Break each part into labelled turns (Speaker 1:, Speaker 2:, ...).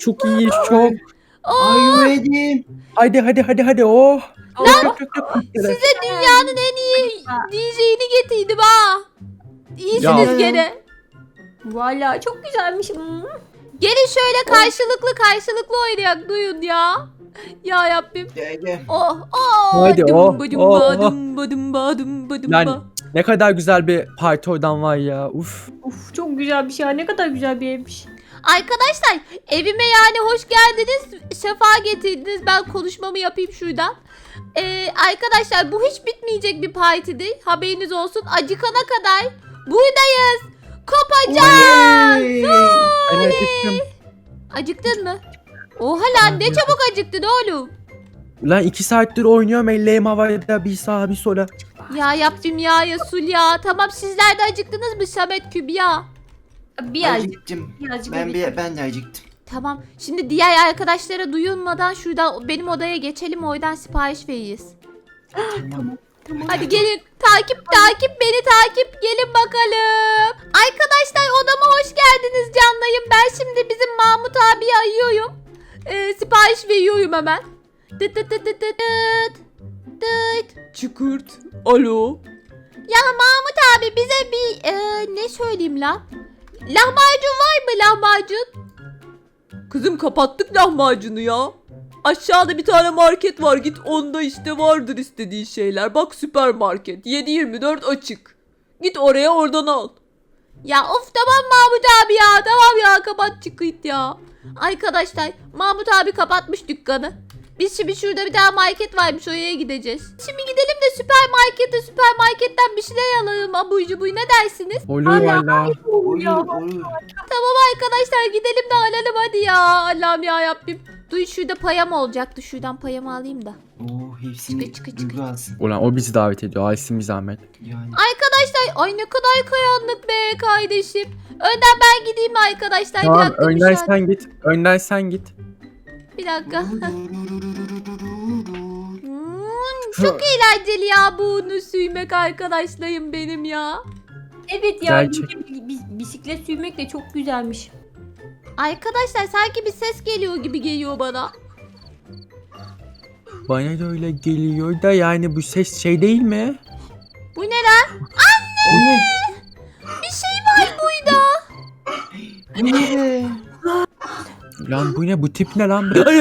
Speaker 1: Çok iyi çok.
Speaker 2: Are you ready?
Speaker 1: Hadi oh.
Speaker 3: Size dünyanın en iyi DJ'ini getirdim ha. İyisiniz
Speaker 1: Ya.
Speaker 3: gene.
Speaker 4: Valla çok güzelmiş.
Speaker 3: Gelin şöyle karşılıklı oynayak duyun ya. Ya Rabbim.
Speaker 2: Gel.
Speaker 3: Oh
Speaker 1: Haydi, oh,
Speaker 3: Dımba
Speaker 1: oh.
Speaker 3: dımba dımba dımba dımba.
Speaker 1: Yani ne kadar güzel bir parti oradan var ya. Uf.
Speaker 4: Of çok güzel bir şey ya. Ne kadar güzel bir evmiş.
Speaker 3: Arkadaşlar evime yani hoş geldiniz. Sefa getirdiniz. Ben konuşmamı yapayım şuradan. Arkadaşlar bu hiç bitmeyecek bir parti değil. Haberiniz olsun. Acıkana kadar buradayız. Kopacağız.
Speaker 1: Ben acıktım.
Speaker 3: Acıktın mı? Oha lan ne çabuk acıktın oğlum.
Speaker 1: Lan 2 saattir oynuyorum elleğim havada bir sağa bir sola.
Speaker 3: Ya Rabbim ya Resul ya. Tamam sizler de acıktınız mı Samet Kübra?
Speaker 4: Birazcık.
Speaker 2: Acıktım.
Speaker 4: Birazcık.
Speaker 2: Ben de acıktım.
Speaker 3: Tamam. Şimdi diğer arkadaşlara duyulmadan şuradan benim odaya geçelim. Oradan sipariş veririz.
Speaker 2: Tamam.
Speaker 3: Hadi gelin. Takip beni takip. Gelin bakalım. Arkadaşlar odama hoş geldiniz canlayım. Ben şimdi bizim Mahmut abiyi arıyorum. Sipariş veriyorum hemen. Dıt dıt dıt dıt dıt dıt. Dıt.
Speaker 1: Çıkırt. Alo.
Speaker 3: Ya Mahmut abi bize bir ne söyleyeyim lan? Lahmacun var mı lahmacun?
Speaker 5: Kızım kapattık lahmacunu ya. Aşağıda bir tane market var, git onda işte vardır istediğin şeyler. Bak süpermarket 7/24 açık. Git oraya oradan al.
Speaker 3: Ya of tamam Mahmut abi ya. Tamam ya kapat çıkıt ya. Arkadaşlar Mahmut abi kapatmış dükkanı. Biz şimdi şurada bir tane market varmış oraya gideceğiz. Şimdi gidelim de süpermarketten bir şeyler alalım abur cubur ne dersiniz?
Speaker 1: Olur valla.
Speaker 2: Olur.
Speaker 3: Tamam arkadaşlar gidelim de alalım hadi ya. Allah'ım ya Rabbim. Duy şurada payam olacaktı. Şuradan payamı alayım da.
Speaker 2: Oo hepsini
Speaker 3: Çıkı.
Speaker 2: Duygu alsın.
Speaker 1: Ulan o bizi davet ediyor. Aysin bir zahmet.
Speaker 2: Yani.
Speaker 3: Arkadaşlar ay ne kadar karanlık be kardeşim. Önden ben gideyim arkadaşlar.
Speaker 1: Tamam
Speaker 3: bir dakika
Speaker 1: önden
Speaker 3: müsaade.
Speaker 1: sen git. Önden sen git.
Speaker 3: Bir dakika. Çok eğlenceli ya bunu sürmek arkadaşlarım benim ya.
Speaker 4: Evet ya.
Speaker 1: Gerçek.
Speaker 4: Bisiklet sürmek de çok güzelmiş.
Speaker 3: Arkadaşlar sanki bir ses geliyor gibi geliyor bana.
Speaker 1: Bana da öyle geliyor da yani bu ses şey değil mi?
Speaker 3: Bu ne lan?
Speaker 2: O ne?
Speaker 3: Bir şey var burada.
Speaker 2: Bu ne be?
Speaker 1: Lan bu ne bu tip ne lan?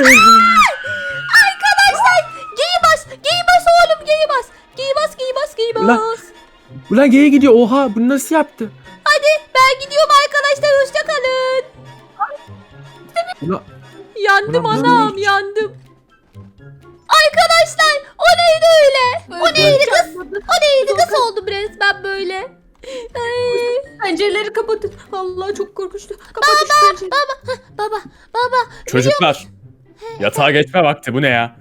Speaker 3: Arkadaşlar geyi bas oğlum geyi bas. Geyi
Speaker 1: Ulan.
Speaker 3: bas.
Speaker 1: Ulan geri gidiyor oha bunu nasıl yaptı?
Speaker 3: Ben gidiyorum arkadaşlar hoşça kalın.
Speaker 1: Ulan,
Speaker 3: Yandım
Speaker 1: Ulan,
Speaker 3: anam
Speaker 1: böyle-
Speaker 3: yandım. Arkadaşlar o neydi öyle? O neydi kız? O neydi kız oldum resmen böyle.
Speaker 4: Pencereleri kapatın. Allah çok korkunçtu. Kapatın şu pencereleri.
Speaker 3: Baba
Speaker 6: Çocuklar. Yatağa geçme vakti bu ne ya?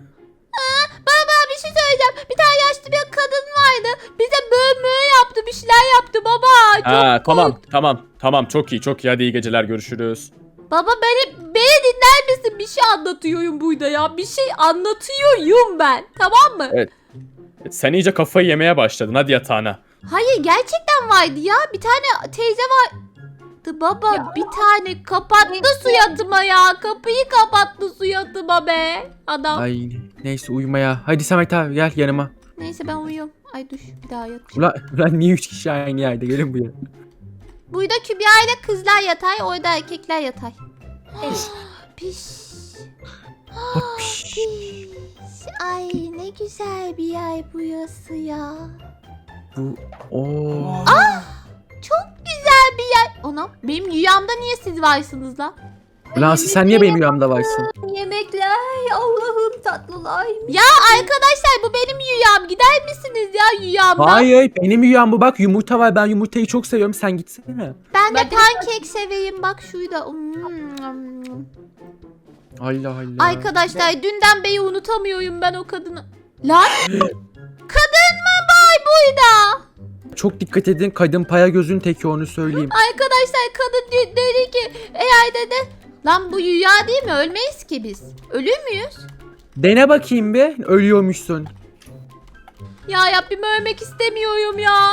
Speaker 3: bir şey söyleyeceğim. Bir tane yaşlı bir kadın vardı. Bize böğ yaptı bir şeyler yaptı baba.
Speaker 6: Ha tamam çok iyi hadi iyi geceler görüşürüz.
Speaker 3: Baba beni dinler misin? Bir şey anlatıyorum burada ya. Bir şey anlatıyorum ben. Tamam mı?
Speaker 6: Evet. Sen iyice kafayı yemeye başladın hadi yatağına.
Speaker 3: Hayır gerçekten vardı ya. Bir tane teyze vardı baba.
Speaker 4: Ya.
Speaker 3: Bir tane kapattı suyatıma ya. Kapıyı kapattı suyatıma be. Adam.
Speaker 1: ay neyse uyumaya. Hadi Samet abi gel yanıma.
Speaker 3: Neyse ben uyuyorum. Ay dur bir daha yatacağım.
Speaker 1: Ulan niye 3 kişi aynı yerde gelin buraya.
Speaker 3: Burada Kübra ile kızlar yatay. Orada erkekler yatay.
Speaker 4: Evet.
Speaker 3: Piş.
Speaker 1: Hop, piş.
Speaker 3: Piş. Ay ne güzel bir yer burası ya.
Speaker 1: Bu o.
Speaker 3: Çok güzel bir yer. Anam benim rüyamda niye siz varsınız lan?
Speaker 1: Ulan Aslı sen niye benim rüyamda varsın?
Speaker 4: Yemekler. Allah'ım tatlılar.
Speaker 3: Ya arkadaşlar bu benim rüyam. Gider misiniz ya rüyamdan?
Speaker 1: Hayır benim rüyam bu bak yumurta var ben yumurtayı çok seviyorum sen gitsene.
Speaker 3: Ben de
Speaker 4: Ben de-
Speaker 3: pankek seveyim bak şurada.
Speaker 1: Allah Allah.
Speaker 3: Arkadaşlar dünden beri unutamıyorum ben o kadını. Lan kadın mı var burada?
Speaker 1: Çok dikkat edin kadın paya gözün teki onu söyleyeyim.
Speaker 3: Arkadaşlar kadın dedi ki eğer dedi. Lan bu rüya değil mi? Ölmeyiz ki biz. Ölür müyüz?
Speaker 1: Dene bakayım bir ölüyormuşsun.
Speaker 3: Ya Rabbim ölmek istemiyorum ya.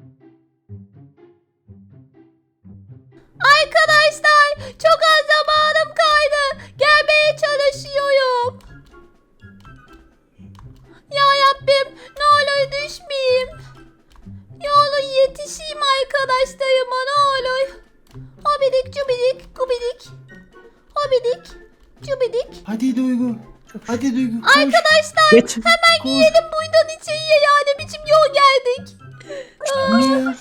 Speaker 3: Arkadaşlar çok az zaman taşıyorum. Ya Rabbim ne olur düşmeyeyim. Ne olur yetişeyim arkadaşlarıma ne olur. Hobidik cubidik gubidik. Hobidik cubidik.
Speaker 2: Hadi Duygu. Hadi Duygu. Koş.
Speaker 3: Arkadaşlar
Speaker 1: Geç.
Speaker 2: Koş.
Speaker 3: gidelim buradan içeriye ya ne biçim yol geldik.
Speaker 2: Bu ne?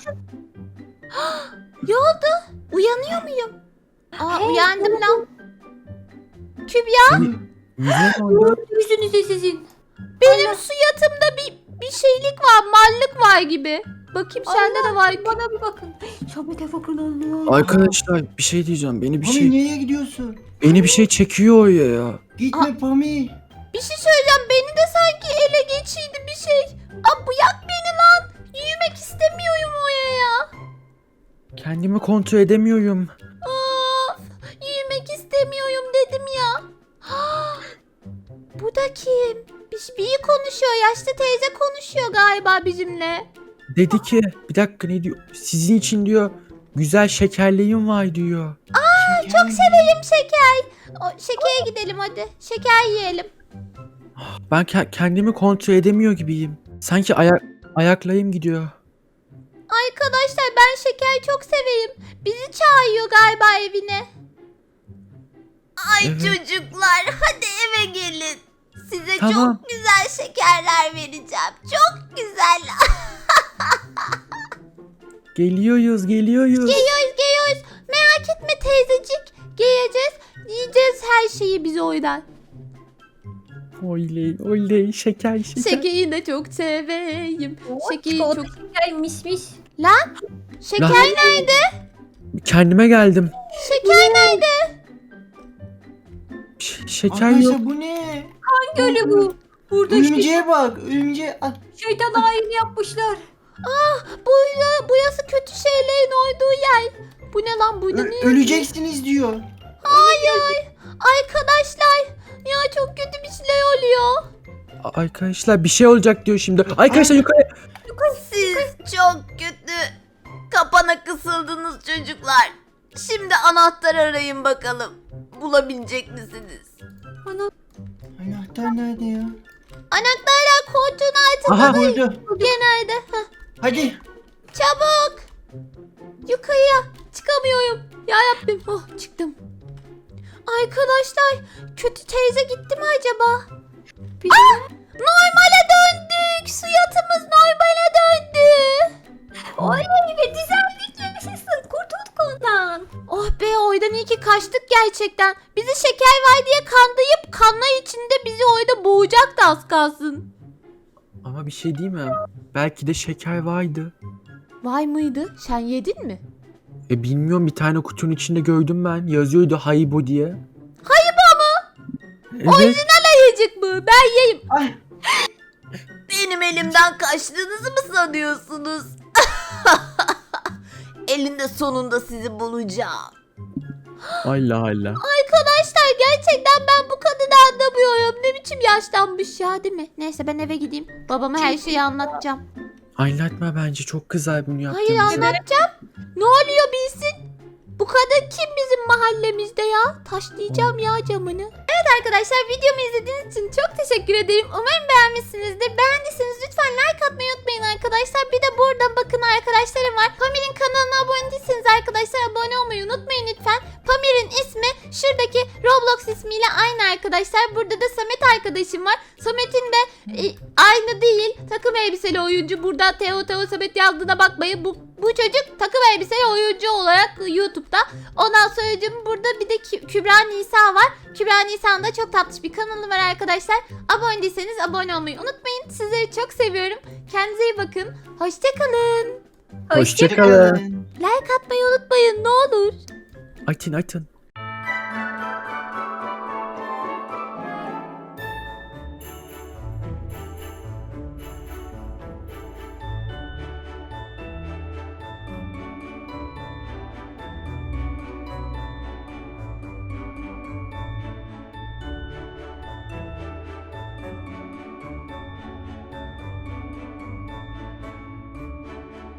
Speaker 3: Ne oldu? Uyanıyor muyum? Uyandım lan. Kübra
Speaker 1: Yüzüne ne oldu?
Speaker 4: Yüzünüzde sizin.
Speaker 3: benim su yatımda bir şeylik var mallık var gibi. Bakayım sende de var.
Speaker 4: Bana bir bakın. Samet'e bakın Allah.
Speaker 1: Arkadaşlar bir şey diyeceğim.
Speaker 2: Pami nereye gidiyorsun?
Speaker 1: Beni bir şey çekiyor oraya ya.
Speaker 2: Gitme Pami.
Speaker 3: Bir şey söyleyeceğim beni de sanki ele geçiydi bir şey. Bırak beni lan. Yürümek istemiyorum oraya.
Speaker 1: Kendimi kontrol edemiyorum.
Speaker 3: Of, yürümek istemiyorum dedim ya. Bu da kim? Biri konuşuyor. Yaşlı teyze konuşuyor galiba bizimle.
Speaker 1: Dedi ki bir dakika ne diyor? Sizin için diyor güzel şekerliğim var diyor.
Speaker 3: Çok severim şeker. Şekere gidelim hadi. Şeker yiyelim.
Speaker 1: Ben kendimi kontrol edemiyor gibiyim. Sanki ayaklayım gidiyor.
Speaker 3: Arkadaşlar ben şeker çok severim. Bizi çağırıyor galiba evine. Ay
Speaker 1: Evet.
Speaker 3: çocuklar hadi eve gelin. Size
Speaker 1: Tamam.
Speaker 3: çok güzel şekerler vereceğim. Çok güzel.
Speaker 1: Geliyoruz.
Speaker 3: Geliyoruz. Merak etme teyzecik. Geleceğiz. Yiyeceğiz her şeyi biz oydan.
Speaker 1: Oley şeker.
Speaker 3: Şekeri de çok seveyim. Şekeri
Speaker 4: Çikolata
Speaker 3: çok...
Speaker 4: şeker mismiş.
Speaker 3: Lan şeker
Speaker 1: Lan.
Speaker 3: nerede?
Speaker 1: Kendime geldim.
Speaker 3: Şeker nerede?
Speaker 1: Şeker yok.
Speaker 2: Arkadaşlar bu ne?
Speaker 4: Hangi öyle bu? Burada işte
Speaker 2: Örümceğe bak. Örümceğe. Ah,
Speaker 4: şeytan ayini yapmışlar.
Speaker 3: Burası kötü şeylerin olduğu yer. Bu ne lan burada ne?
Speaker 2: öleceksiniz diyor.
Speaker 3: Hayır. Arkadaşlar. Ya çok kötü bir şeyler oluyor.
Speaker 1: Arkadaşlar bir şey olacak diyor şimdi. Arkadaşlar yukarı.
Speaker 3: Siz çok kötü kapana kısıldınız çocuklar. Şimdi anahtar arayın bakalım. Bulabilecek misiniz?
Speaker 2: Anahtar nerede ya?
Speaker 3: Anahtarlar koltuğun altında
Speaker 1: Aha.
Speaker 2: Burada.
Speaker 3: genelde.
Speaker 2: Hadi.
Speaker 3: Çabuk. Yukarıya çıkamıyorum. Ya Rabbim. Oh çıktım. Arkadaşlar kötü teyze gitti mi acaba? Normale döndük. Su yatımız normale döndü.
Speaker 4: Oley ve düzeldik yaşasın. Kurtulduk ondan.
Speaker 3: Oh be oydan iyi ki kaçtık gerçekten. Bizi şeker var diye kandayıp kanla içinde bizi oyda boğacaktı az kalsın.
Speaker 1: Ama bir şey değil mi? Belki de şeker vardı.
Speaker 3: Vay mıydı? Sen yedin mi?
Speaker 1: Bilmiyorum bir tane kutunun içinde gördüm ben. Yazıyordu Haribo diye.
Speaker 3: Haribo mu?
Speaker 1: Evet.
Speaker 3: Orijinal ayıcık mı? Ben yiyeyim.
Speaker 2: Ay.
Speaker 3: Benim elimden kaçtığınızı mı sanıyorsunuz? Elinde sonunda sizi bulacağım.
Speaker 1: Allah.
Speaker 3: Arkadaşlar gerçekten ben bu kadını anlamıyorum. Ne biçim yaşlanmış ya değil mi? Neyse ben eve gideyim. Babama her şeyi anlatacağım.
Speaker 1: Anlatma bence çok kızar bunu
Speaker 3: Hayır
Speaker 1: yaptığımız.
Speaker 3: anlatacağım. Ne oluyor bilsin? Bu kadın kim bizim mahallemizde ya? Taşlayacağım ya camını. Evet arkadaşlar videomu izlediğiniz için çok teşekkür ederim. Umarım beğenmişsinizdir. Beğendiyseniz lütfen like atmayı unutmayın arkadaşlar. Bir de burada bakın arkadaşlarım var. Pamir'in kanalına abone değilseniz arkadaşlar abone olmayı unutmayın lütfen. Pamir'in ismi şuradaki Roblox ismiyle aynı arkadaşlar. Burada da Samet arkadaşım var. Samet'in de aynı değil. Takım elbiseli oyuncu. Burada Teo Samet yazdığına bakmayın. Bu çocuk takım elbiseli oyuncu olarak YouTube'da. Ondan sonra burada bir de Kübra Nisa var. Kübra Nisa'nın da çok tatlış bir kanalı var arkadaşlar. Abone değilseniz abone olmayı unutmayın. Sizleri çok seviyorum. Kendinize iyi bakın. Hoşçakalın.
Speaker 1: Hoşçakalın.
Speaker 3: Like atmayı unutmayın ne olur.
Speaker 1: Atın.